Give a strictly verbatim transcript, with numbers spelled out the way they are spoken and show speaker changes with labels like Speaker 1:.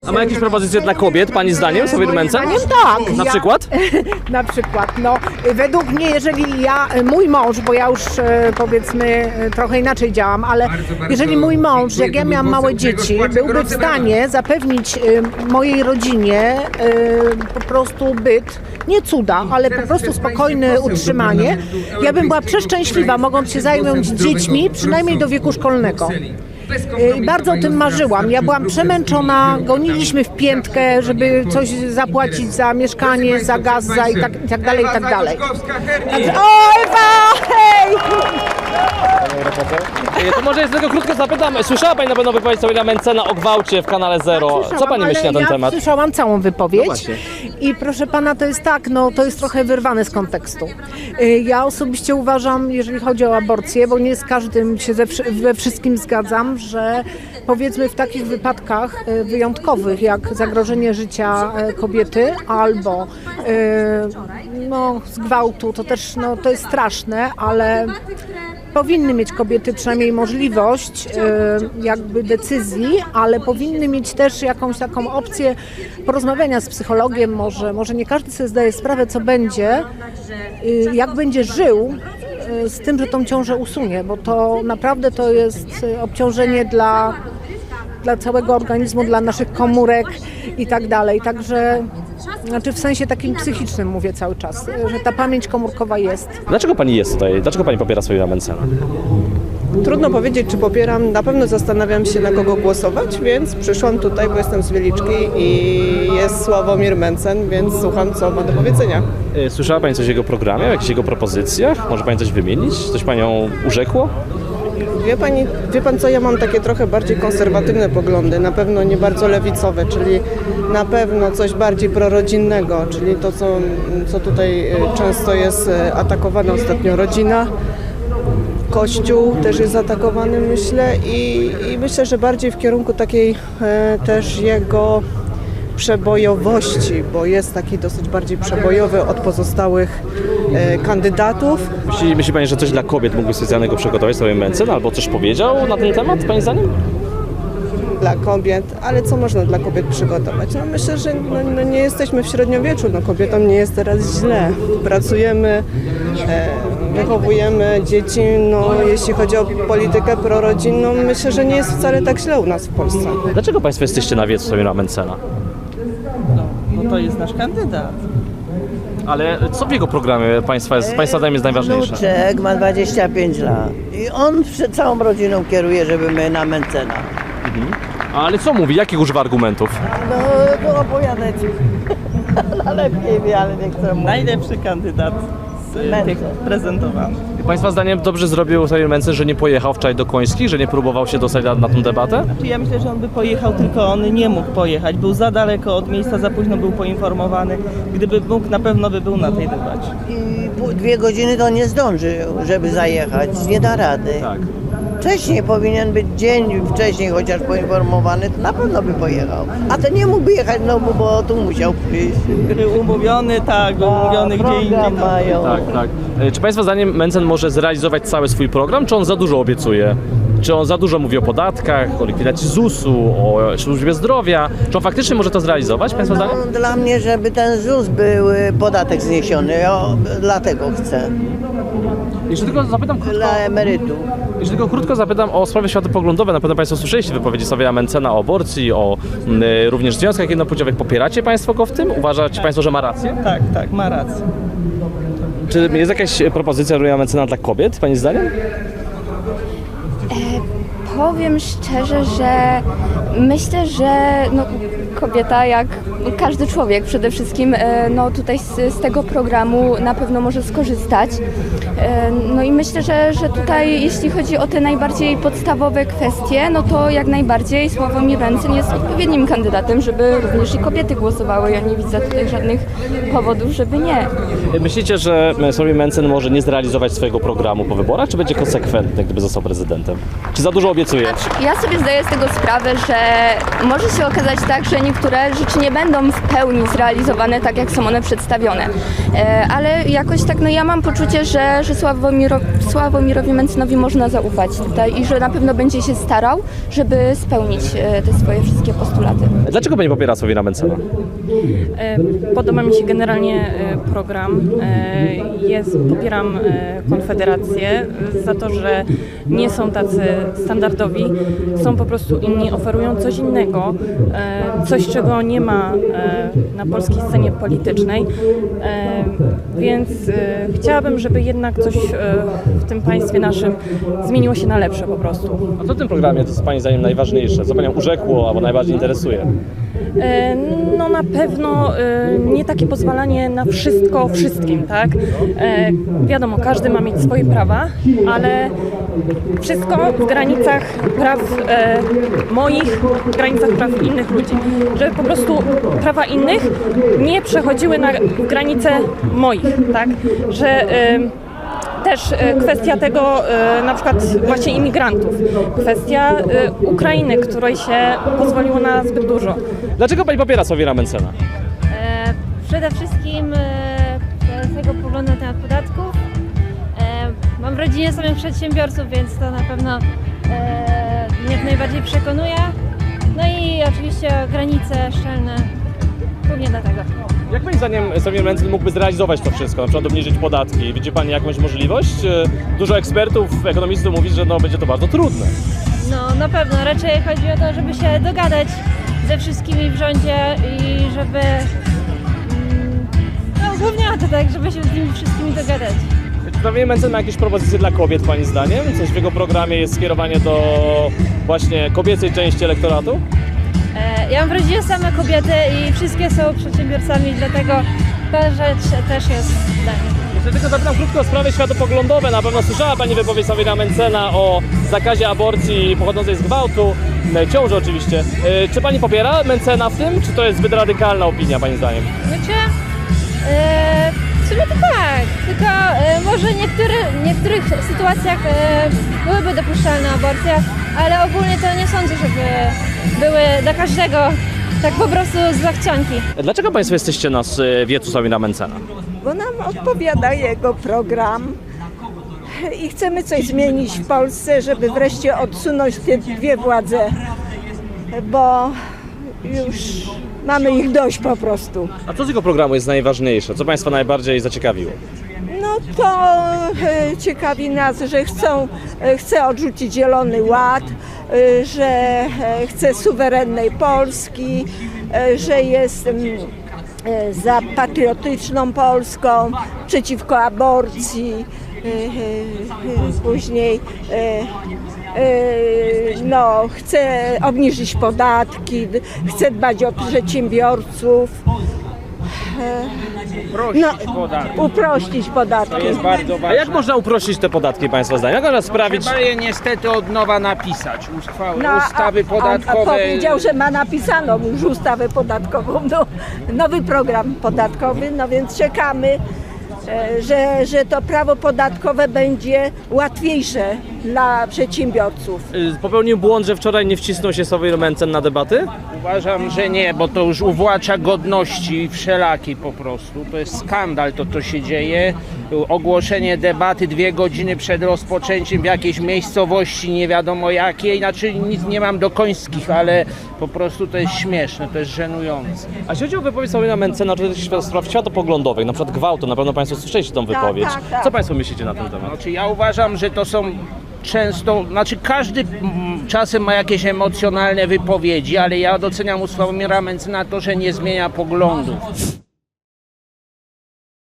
Speaker 1: A ma jakieś propozycje dla kobiet, pani zdaniem, Sławomir Mencen?
Speaker 2: Moim zdaniem tak.
Speaker 1: Na
Speaker 2: ja,
Speaker 1: przykład?
Speaker 2: Na przykład, no według mnie, jeżeli ja, mój mąż, bo ja już e, powiedzmy e, trochę inaczej działam, ale jeżeli mój mąż, jak ja miałam małe dzieci, byłby w stanie zapewnić e, mojej rodzinie e, po prostu byt, nie cuda, ale po prostu spokojne utrzymanie, ja bym była przeszczęśliwa, mogąc się zająć dziećmi, przynajmniej do wieku szkolnego. I bardzo o tym marzyłam. Ja byłam przemęczona, goniliśmy w piętkę, żeby coś zapłacić za mieszkanie, za gaz, za i tak, i tak dalej, i tak dalej. Także, o, Ewa! Hej!
Speaker 1: To może jest tylko krótko zapytam. Słyszała pani na pewno wypowiedź Sławomira Mencena o gwałcie w kanale Zero. Co pani myśli na ten
Speaker 2: ja
Speaker 1: temat?
Speaker 2: Słyszałam całą wypowiedź.
Speaker 1: No
Speaker 2: I proszę pana, to jest tak, no to jest trochę wyrwane z kontekstu. Ja osobiście uważam, jeżeli chodzi o aborcję, bo nie z każdym się ze, we wszystkim zgadzam, że powiedzmy w takich wypadkach wyjątkowych, jak zagrożenie życia kobiety albo no, z gwałtu, to też no, to jest straszne, ale powinny mieć kobiety przynajmniej możliwość jakby decyzji, ale powinny mieć też jakąś taką opcję porozmawiania z psychologiem, może, może nie każdy sobie zdaje sprawę, co będzie, jak będzie żył z tym, że tą ciążę usunie, bo to naprawdę to jest obciążenie dla, dla całego organizmu, dla naszych komórek i tak dalej. Także znaczy w sensie takim psychicznym mówię cały czas, że ta pamięć komórkowa jest.
Speaker 1: Dlaczego pani jest tutaj? Dlaczego pani popiera Sławomira Mencena?
Speaker 3: Trudno powiedzieć, czy popieram. Na pewno zastanawiam się, na kogo głosować, więc przyszłam tutaj, bo jestem z Wieliczki i jest Sławomir Mencen, więc słucham, co ma do powiedzenia.
Speaker 1: Słyszała pani coś o jego programie, o jakichś jego propozycjach? Może pani coś wymienić? Coś panią urzekło?
Speaker 3: Wie pani, wie pan co, ja mam takie trochę bardziej konserwatywne poglądy, na pewno nie bardzo lewicowe, czyli na pewno coś bardziej prorodzinnego, czyli to, co, co tutaj często jest atakowane ostatnio, rodzina. Kościół też jest atakowany, myślę, i, i myślę, że bardziej w kierunku takiej e, też jego przebojowości, bo jest taki dosyć bardziej przebojowy od pozostałych e, kandydatów.
Speaker 1: Myśli, myśli pani, że coś dla kobiet mógłby specjalnego przygotować Sławomir Mencen, albo coś powiedział na ten temat, pani zdaniem?
Speaker 3: Dla kobiet, ale co można dla kobiet przygotować? No myślę, że no, no nie jesteśmy w średniowieczu, no kobietom nie jest teraz źle. Pracujemy, e, wychowujemy dzieci, no jeśli chodzi o politykę prorodzinną, myślę, że nie jest wcale tak źle u nas w Polsce.
Speaker 1: Dlaczego państwo jesteście na wiecu Sławomira Mencena?
Speaker 4: No, bo to jest nasz kandydat.
Speaker 1: Ale co w jego programie państwa jest, państwa zdaniem jest najważniejsze?
Speaker 5: Wnuczek ma dwadzieścia pięć lat i on przed całą rodziną kieruje, żeby my na Mencena.
Speaker 1: Mhm. Ale co mówi? Jakich używa argumentów?
Speaker 5: No, to opowiadać. Lepiej wie, ale nie chcę mówić.
Speaker 4: Najlepszy kandydat z
Speaker 5: Mencen.
Speaker 4: tych prezentowanych.
Speaker 1: Państwa zdaniem dobrze zrobił Sławomir Mencen, że nie pojechał wczoraj do Końskich, że nie próbował się dostać na, na tę debatę?
Speaker 4: Ja myślę, że on by pojechał, tylko on nie mógł pojechać. Był za daleko od miejsca, za późno był poinformowany. Gdyby mógł, na pewno by był na tej debacie.
Speaker 5: I pół- dwie godziny to nie zdąży, żeby zajechać. Nie da rady.
Speaker 1: Tak.
Speaker 5: Wcześniej powinien być dzień wcześniej chociaż poinformowany, to na pewno by pojechał. A to nie mógłby jechać znowu, bo tu musiał przyjść.
Speaker 4: Był umówiony, tak, był umówiony gdzie indziej.
Speaker 5: Program mają.
Speaker 1: Tak, tak. E, Czy państwa zdaniem Mencen może zrealizować cały swój program, czy on za dużo obiecuje? Czy on za dużo mówi o podatkach, o likwidacji zusu, o służbie zdrowia? Czy on faktycznie może to zrealizować, państwa zdaniem?
Speaker 5: No, dla mnie, żeby ten ZUS był y, podatek zniesiony, ja dlatego chcę.
Speaker 1: Jeśli tylko zapytam krótko,
Speaker 5: Dla emerytów.
Speaker 1: jeśli tylko krótko zapytam o sprawy światopoglądowe, na pewno państwo słyszeliście wypowiedzi Sławomira Mencena o aborcji, o m, również związkach jednopłciowych. Popieracie państwo go w tym? Uważacie państwo, że ma rację?
Speaker 4: Tak, tak, ma rację.
Speaker 1: Czy jest jakaś propozycja Sławomira Mencena dla kobiet, pani zdaniem?
Speaker 6: Powiem szczerze, że myślę, że no, kobieta, jak każdy człowiek przede wszystkim, e, no tutaj z, z tego programu na pewno może skorzystać. E, No i myślę, że, że tutaj jeśli chodzi o te najbardziej podstawowe kwestie, no to jak najbardziej Sławomir Mencen jest odpowiednim kandydatem, żeby również i kobiety głosowały. Ja nie widzę tutaj żadnych powodów, żeby nie.
Speaker 1: Myślicie, że Sławomir Mencen może nie zrealizować swojego programu po wyborach, czy będzie konsekwentny, gdyby został prezydentem? Czy za dużo obiecuje?
Speaker 6: Ja sobie zdaję z tego sprawę, że e, może się okazać tak, że niektóre rzeczy nie będą w pełni zrealizowane tak, jak są one przedstawione. E, ale jakoś tak, no ja mam poczucie, że, że Sławomiro, Sławomirowi Mencynowi można zaufać tutaj i że na pewno będzie się starał, żeby spełnić e, te swoje wszystkie postulaty.
Speaker 1: Dlaczego pani popiera Sławomira Mentzena?
Speaker 7: E, Podoba mi się generalnie e, program. E, Jest, popieram e, Konfederację za to, że nie są tacy standardowi, są po prostu inni, oferują coś innego, e, coś czego nie ma e, na polskiej scenie politycznej, e, więc e, chciałabym, żeby jednak coś e, w tym państwie naszym zmieniło się na lepsze po prostu.
Speaker 1: A co w tym programie to jest pani zdaniem najważniejsze? Co panią urzekło albo najbardziej interesuje?
Speaker 7: E, No na pewno e, nie takie pozwalanie na wszystko wszystkim, tak? E, Wiadomo, każdy ma mieć swoje prawa, ale wszystko w granicach praw e, moich, w granicach praw innych ludzi. Żeby po prostu prawa innych nie przechodziły na granice moich, tak? Że e, też e, kwestia tego, e, na przykład właśnie imigrantów, kwestia e, Ukrainy, której się pozwoliło na zbyt dużo.
Speaker 1: Dlaczego pani popiera Sławomira Mentzena?
Speaker 8: E, Przede wszystkim e, z tego poglądu na temat podatków. E, Mam w rodzinie samych przedsiębiorców, więc to na pewno e, mnie jak najbardziej przekonuje. No i oczywiście granice szczelne, głównie dlatego.
Speaker 1: Jak pani zdaniem Sławomir Mentzen mógłby zrealizować to wszystko, na przykład obniżyć podatki? Widzi pani jakąś możliwość? Dużo ekspertów, ekonomistów mówi, że no, będzie to bardzo trudne.
Speaker 8: No na pewno, raczej chodzi o to, żeby się dogadać ze wszystkimi w rządzie i żeby... mm, No głównie o to tak, żeby się z nimi wszystkimi dogadać.
Speaker 1: Czy Sławomir Mentzen ma jakieś propozycje dla kobiet pani zdaniem? Coś w jego programie jest skierowanie do właśnie kobiecej części elektoratu?
Speaker 8: E, Ja mam w rodzinie same kobiety i wszystkie są przedsiębiorcami, dlatego ta rzecz też jest dla mnie.
Speaker 1: Jeszcze tylko zapytam krótko o sprawy światopoglądowe. Na pewno słyszała pani wypowiedź Sławomira Mentzena o zakazie aborcji pochodzącej z gwałtu, ciąży oczywiście. E, Czy pani popiera Mentzena w tym, czy to jest zbyt radykalna opinia pani zdaniem?
Speaker 8: Znaczy, e, w sumie to tak, tylko e, może niektóry, w niektórych sytuacjach e, byłyby dopuszczalne aborcje, ale ogólnie to nie sądzę, żeby były dla każdego tak po prostu z zachcianki.
Speaker 1: Dlaczego państwo jesteście na e, wiecu Sławomira Mentzena?
Speaker 9: Bo nam odpowiada jego program i chcemy coś zmienić w Polsce, żeby wreszcie odsunąć te dwie władze, bo już mamy ich dość po prostu.
Speaker 1: A co z jego programu jest najważniejsze? Co państwa najbardziej zaciekawiło?
Speaker 9: No to e, ciekawi nas, że chcą, e, chce odrzucić Zielony Ład, e, że e, chce suwerennej Polski, e, że jest mm, e, za patriotyczną Polską, przeciwko aborcji, e, e, e, później e, e, no, chce obniżyć podatki, d- chce dbać o przedsiębiorców.
Speaker 10: Uprościć
Speaker 9: No,
Speaker 10: podatki.
Speaker 9: uprościć podatki.
Speaker 10: To jest bardzo
Speaker 1: A
Speaker 10: ważne.
Speaker 1: jak można uprościć te podatki państwa zdaniem? Jak można sprawić...
Speaker 10: Trzeba je niestety od nowa napisać. Ustawa,
Speaker 9: No, a-
Speaker 10: ustawy
Speaker 9: a, a
Speaker 10: podatkowe.
Speaker 9: powiedział, że ma napisaną już ustawę podatkową, no, nowy program podatkowy, no więc czekamy, e, że, że to prawo podatkowe będzie łatwiejsze dla przedsiębiorców.
Speaker 1: Y, Popełnił błąd, że wczoraj nie wcisnął się Sławomir Mentzen na debaty?
Speaker 10: Uważam, że nie, bo to już uwłacza godności wszelakiej po prostu. To jest skandal to, co się dzieje. Ogłoszenie debaty dwie godziny przed rozpoczęciem w jakiejś miejscowości nie wiadomo jakiej. Znaczy nic nie mam do końskich, ale po prostu to jest śmieszne, to jest żenujące.
Speaker 1: A jeśli chodzi o wypowiedź Sławomira Mentzena, czy też spraw światopoglądowych, na przykład gwałtu, na pewno państwo słyszeliście tą wypowiedź.
Speaker 9: tak, tak.
Speaker 1: Co państwo myślicie na ten temat?
Speaker 10: Znaczy ja uważam, że to są często, znaczy każdy mm, czasem ma jakieś emocjonalne wypowiedzi, ale ja doceniam u Sławomira Mentzena to, że nie zmienia poglądów.